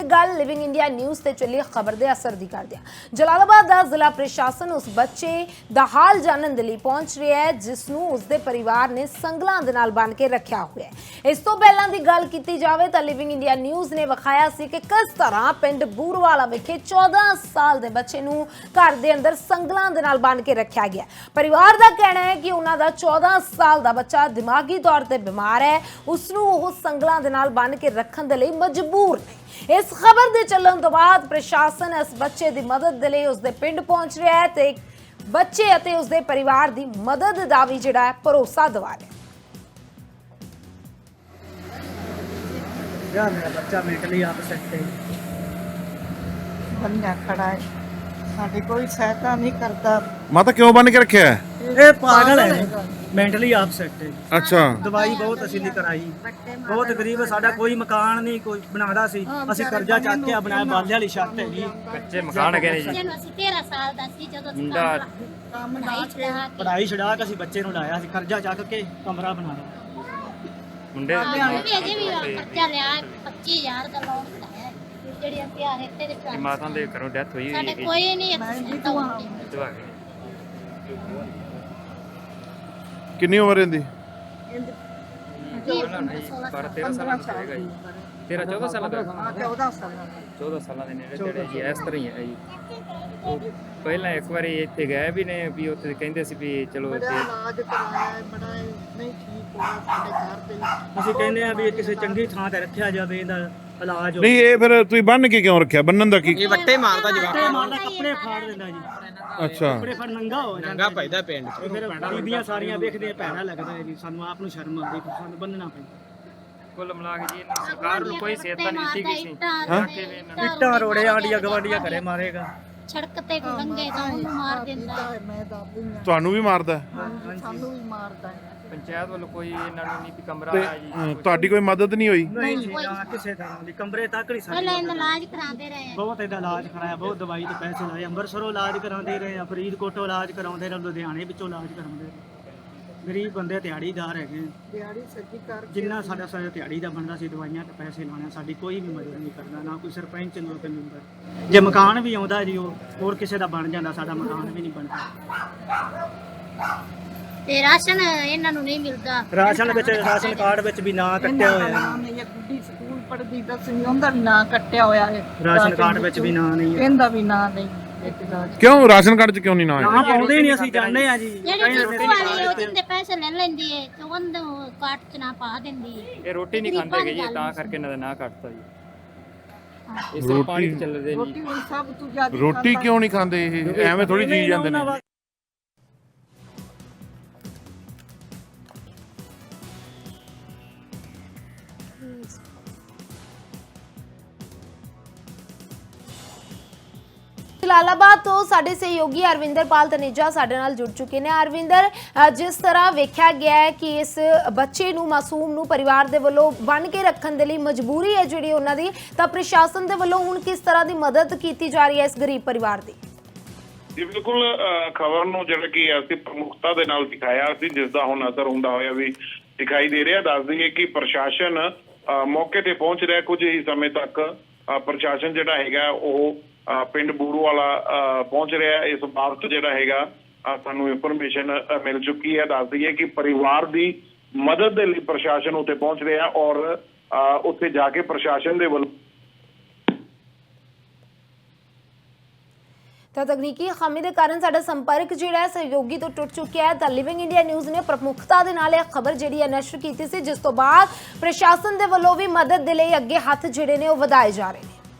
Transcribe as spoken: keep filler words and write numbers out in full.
गल living India news ते चली खबर के असर की कर दिया। जलालाबाद का जिला प्रशासन उस बच्चे का हाल जानने के लिए पहुंच रहा है जिसनों उसके परिवार ने संगलों के नाल बन के रखा हुआ है। इस तो पहला की गल की जाए तो लिविंग इंडिया न्यूज़ ने विखाया सी कि किस तरह पिंड बूरवाला विखे चौदह साल के बच्चे नूं घर के अंदर संगलों के नाल बन के रखा गया। परिवार का कहना है कि उन्होंने चौदह साल का बच्चा दिमागी तौर पर बीमार है, उसनूं वो संगलों के नाल बन के रखने के लिए मजबूर ने। इस खबर के चलण तो बाद प्रशासन इस बच्चे की मदद के लिए उसके पिंड पहुंच रहा है ते बच्चे अते उसके परिवार की मदद का भी जिहड़ा है भरोसा दिवा रहा है। यार मेरा बच्चा मेंटली अपसेट है, बंदा खड़ा है, साडी कोई सहायता नहीं करता। माता क्यों बन के रखे है? ये पागल है, मेंटली अपसेट है। अच्छा, दवाई बहुत ਅਸੀਂ ਨਹੀਂ ਕਰਾਈ, ਬਹੁਤ ਗਰੀਬ, ਸਾਡਾ ਕੋਈ ਮਕਾਨ ਨਹੀਂ ਕੋਈ ਬਣਾਦਾ ਸੀ, ਅਸੀਂ ਕਰਜ਼ਾ ਚੱਕ ਕੇ ਬਣਾਇਆ, ਬਾਲੇ ਵਾਲੀ ਛੱਤ ਹੈਗੀ, ਕੱਚੇ ਮਕਾਨ ਹੈਗੇ ਨੇ ਜੀ। ਜਦੋਂ ਅਸੀਂ ਤੇਰਾਂ ਸਾਲ ਦਾ ਸੀ ਜਦੋਂ ਅਸੀਂ ਮੁੰਡਾ ਕੰਮ ਨਹੀਂ ਛੜਾ ਕੇ ਪੜਾਈ ਛਡਾ ਕੇ ਅਸੀਂ ਬੱਚੇ ਨੂੰ ਲਾਇਆ ਸੀ, ਕਰਜ਼ਾ ਚੱਕ ਕੇ ਕਮਰਾ ਬਣਾਇਆ। ਮੁੰਡੇ ਸਾਨੂੰ ਵੀ ਅਜੇ ਵੀ ਖਰਚਾ ਲਿਆ ਪੱਚੀ ਹਜ਼ਾਰ ਦਾ ਲੋਨ ਕਰਾਇਆ ਜਿਹੜੀ ਅਸੀਂ ਆ ਰੇਤੇ ਦੇ ਦੀ ਮਾਤਾ ਦੇ ਘਰੋਂ ਡੈਥ ਹੋਈ ਹੋਈ ਸਾਡੇ ਹੈਗੀ ਕੋਈ ਨਹੀਂ ਇੱਕ ਦਵਾ ਕੇ। ਕਿੰਨੀ ਉਮਰ ਇਹਦੀ? ਬਾਰਾਂ ਤੇਰਾਂ ਸਾਲਾਂ ਦਾ ਹੈਗਾ ਜੀ। ਤੇਰਾਂ ਚੌਦਾਂ ਸਾਲਾਂ ਦਾ चौदह साल ਚੌਦਾਂ ਸਾਲਾਂ ਦੇ ਨੇੜੇ ਤੇੜੇ ਜੀ। ਇਸ ਤਰ੍ਹਾਂ ਹੀ ਹੈ ਜੀ। ਉਹ ਪਹਿਲਾਂ ਇੱਕ ਵਾਰੀ ਇੱਥੇ ਗਏ ਵੀ ਨੇ, ਵੀ ਉੱਥੇ ਕਹਿੰਦੇ ਸੀ ਵੀ ਚਲੋ बड़ा ਤੇ इलाज कराया, बड़ा नहीं ठीक हुआ साडे घर पे। ਅਸੀਂ ਕਹਿੰਦੇ ਆ ਵੀ ਕਿਸੇ ਚੰਗੀ ਥਾਂ ਤੇ ਰੱਖਿਆ ਜਾਵੇ, ਇਹਦਾ ਇਲਾਜ ਹੋਵੇ। ਨਹੀਂ, ਇਹ ਫਿਰ ਤੁਸੀਂ ਬੰਨ ਕੇ ਕਿਉਂ ਰੱਖਿਆ? ਬੰਨਣ ਦਾ ਕੀ? ਇਹ ਵੱਟੇ ਮਾਰਦਾ ਜਵਾਕ ਕੱਪੜੇ ਮਾਰਦਾ, ਕੱਪੜੇ ਫਾੜ ਦਿੰਦਾ ਜੀ, ਅੱਛਾ, ਕੱਪੜੇ ਫੜ ਨੰਗਾ ਹੋ ਜਾਂਦਾ। ਨੰਗਾ ਪੈਦਾ ਪਿੰਡ ਚ। ਫਿਰ ਬੀਬੀਆਂ ਸਾਰੀਆਂ ਵੇਖਦੇ ਭੈੜਾ ਲੱਗਦਾ ਹੈ ਜੀ, ਸਾਨੂੰ ਆਪ ਨੂੰ ਸ਼ਰਮ ਆਉਂਦੀ, ਫਿਰ ਸਾਨੂੰ ਬੰਨਣਾ ਪੈਂਦਾ। ਕੁੱਲ ਮਿਲਾ ਕੇ ਜੀ ਇਹਨਾਂ ਸਰਕਾਰ ਨੂੰ ਕੋਈ ਸਹਾਇਤਾ ਨਹੀਂ ਦਿੱਤੀ ਗਈ ਸੀ। ਇੱਟਾਂ ਰੋੜੇ ਆਂਡੀਆਂ ਗਵਾਂਡੀਆਂ ਘਰੇ ਮਾਰੇਗਾ। ਸੜਕ ਤੇ ਕੋ ਲੰਘੇ ਤਾਂ ਉਹਨੂੰ ਮਾਰ ਦਿੰਦਾ है, मैं दादी ने ਤੁਹਾਨੂੰ ਵੀ ਮਾਰਦਾ ਹੈ? सानू भी मारता है। ਪੰਚਾਇਤ ਵੱਲੋਂ ਕੋਈ ਇਹਨਾਂ ਨੂੰ ਨਹੀਂ ਵੀ ਕਮਰਾ ਤੇ ਆਇਆ ਜੀ। ਅ, ਤੁਹਾਡੀ ਕੋਈ ਮਦਦ ਨਹੀਂ ਹੋਈ? ਨਹੀਂ ਜੀ, ਨਾ ਕਿਸੇ ਤਰ੍ਹਾਂ ਦੀ, ਕਮਰੇ ਤੱਕ ਨਹੀਂ ਪਹਿਲਾਂ ਸਾਡੀ ਇਹਦਾ ਇਲਾਜ ਕਰਾਉਂਦੇ ਰਹੇ ਬਹੁਤ ਇਹਦਾ ਇਲਾਜ ਕਰਾਇਆ, ਬਹੁਤ ਦਵਾਈ ਤੇ ਪੈਸੇ ਲਾਏ, ਅੰਮ੍ਰਿਤਸਰੋਂ ਇਲਾਜ ਕਰਾਉਂਦੇ ਰਹੇ ਆ, ਫਰੀਦਕੋਟੋਂ ਇਲਾਜ ਕਰਾਉਂਦੇ ਰਹੇ, ਲੁਧਿਆਣੇ ਵਿੱਚੋਂ ਇਲਾਜ ਕਰਾਉਂਦੇ ਰਹੇ। ਗਰੀਬ ਬੰਦੇ ਦਿਹਾੜੀਦਾਰ ਹੈਗੇ, दिहाड़ी सच्ची कर ਜਿੰਨਾ ਸਾਡਾ ਸਾਡਾ ਦਿਹਾੜੀ ਦਾ ਬਣਦਾ ਸੀ ਦਵਾਈਆਂ ਤੇ ਪੈਸੇ ਲਾਉਣੇ, ਸਾਡੀ ਕੋਈ ਵੀ ਮਦਦ ਨਹੀਂ ਕਰਦਾ, ਨਾ ਕੋਈ ਸਰਪੰਚ ਨਾ ਕੋਈ ਮੈਂਬਰ। ਜੇ ਮਕਾਨ ਵੀ ਆਉਂਦਾ ਜੀ ਉਹ ਹੋਰ ਕਿਸੇ ਦਾ ਬਣ ਜਾਂਦਾ, ਸਾਡਾ ਮਕਾਨ ਵੀ ਨਹੀਂ ਬਣਦਾ। ਤੇ ਰਾਸ਼ਨ ਇਹਨਾਂ ਨੂੰ ਨਹੀਂ ਮਿਲਦਾ। ਰਾਸ਼ਨ ਵਿੱਚ, ਰਾਸ਼ਨ ਕਾਰਡ ਵਿੱਚ ਵੀ ਨਾਂ ਕੱਟਿਆ ਹੋਇਆ ਹੈ, नाम है ये गुड्डी स्कूल पढ़दी दसवीं उंदा भी ना कट्टिया होया है। ਰਾਸ਼ਨ ਕਾਰਡ ਵਿੱਚ ਵੀ ਨਾਂ ਨਹੀਂ ਹੈ। इनदा भी ना नहीं एक इलाज। ਕਿਉਂ ਰਾਸ਼ਨ ਕਾਰਡ 'ਚ ਕਿਉਂ ਨਹੀਂ ਨਾ ਆਇਆ? ਨਾ ਪਾਉਂਦੇ ਹੀ ਨਹੀਂ, ਅਸੀਂ ਜਾਣਦੇ ਆ ਜੀ। ਜਿਹੜੀ ਡਿਪੂ ਵਾਲੀ ਉਹ ਜਿੰਦੇ ਪੈਸੇ ਲੈ ਲੈਂਦੀ ਏ ਤੇ ਉਹਨੂੰ ਕਾਟ ਚ ਨਾ ਪਾ ਦਿੰਦੀ ਏ। ਇਹ ਰੋਟੀ ਨਹੀਂ ਖਾਂਦੇ ਹੈਗੇ ਜੀ, ਤਾਂ ਕਰਕੇ ਇਹਨਾਂ ਦਾ ਨਾਂ ਕੱਟਤਾ ਜੀ। ਇਸ ਤਰ੍ਹਾਂ ਪਾਣੀ ਤੇ ਚੱਲਦੇ रोटी ਜੀ। भी सब तू ज्यादा ਰੋਟੀ ਕਿਉਂ ਨਹੀਂ ਖਾਂਦੇ ਇਹ? ਐਵੇਂ ਥੋੜੀ ਜੀ ਜਾਂਦੇ ਨੇ। जलालाबाद तो साडे सहयोगी अरविंदर पाल तनेजा साडे नाल जुड़ चुके हैं। अरविंदर, जिस तरह वेख्या गया है कि इस बच्चे नूं मासूम नूं परिवार दे वल्लों बन के रखण दे लई मजबूरी है जिहड़ी उन्हां दी, तां प्रशासन दे वल्लों हुण किस तरह की मदद की जा रही है इस गरीब परिवार की? ਜੀ ਬਿਲਕੁਲ ਖਬਰ ਨੂੰ ਜਿਹੜਾ ਕਿ ਅਸੀਂ ਪ੍ਰਮੁਖਤਾ ਦੇ ਨਾਲ ਦਿਖਾਇਆ ਸੀ, ਜਿਸ ਦਾ ਹੁਣ ਅਸਰ ਹੁੰਦਾ ਹੋਇਆ ਵੀ ਦਿਖਾਈ ਦੇ ਰਿਹਾ। ਦੱਸ ਦਈਏ ਕਿ ਪ੍ਰਸ਼ਾਸਨ ਮੌਕੇ ਤੇ ਪਹੁੰਚ ਰਿਹਾ। ਕੁਝ ਹੀ ਸਮੇਂ ਤੱਕ ਪ੍ਰਸ਼ਾਸਨ ਜਿਹੜਾ ਹੈਗਾ ਉਹ ਪਿੰਡ ਬੂਰਵਾਲਾ ਪਹੁੰਚ ਰਿਹਾ। ਇਸ ਬਾਬਤ ਜਿਹੜਾ ਹੈਗਾ ਸਾਨੂੰ ਇਨਫੋਰਮੇਸ਼ਨ ਮਿਲ ਚੁੱਕੀ ਹੈ। ਦੱਸ ਦਈਏ ਕਿ ਪਰਿਵਾਰ ਦੀ ਮਦਦ ਦੇ ਲਈ ਪ੍ਰਸ਼ਾਸਨ ਉੱਥੇ ਪਹੁੰਚ ਰਿਹਾ ਔਰ ਉੱਥੇ ਜਾ ਕੇ ਪ੍ਰਸ਼ਾਸਨ ਦੇ ਵੱਲੋਂ ਤਾਂ ਤਕਨੀਕੀ ਖਾਮੀ ਦੇ ਕਾਰਨ ਸਾਡਾ ਸੰਪਰਕ ਜਿਹੜਾ ਹੈ ਸਹਿਯੋਗੀ ਤੋਂ ਟੁੱਟ ਚੁੱਕਿਆ ਹੈ। ਤਾਂ ਲਿਵਿੰਗ ਇੰਡੀਆ ਨਿਊਜ਼ ਨੇ ਪ੍ਰਮੁਖਤਾ ਦੇ ਨਾਲ ਇਹ ਖਬਰ ਜਿਹੜੀ ਹੈ ਨਸ਼ਰ ਕੀਤੀ ਸੀ, ਜਿਸ ਤੋਂ ਬਾਅਦ ਪ੍ਰਸ਼ਾਸਨ ਦੇ ਵੱਲੋਂ ਵੀ ਮਦਦ ਦੇ ਲਈ ਅੱਗੇ ਹੱਥ ਜਿਹੜੇ ਨੇ ਉਹ ਵਧਾਏ ਜਾ ਰਹੇ ਨੇ।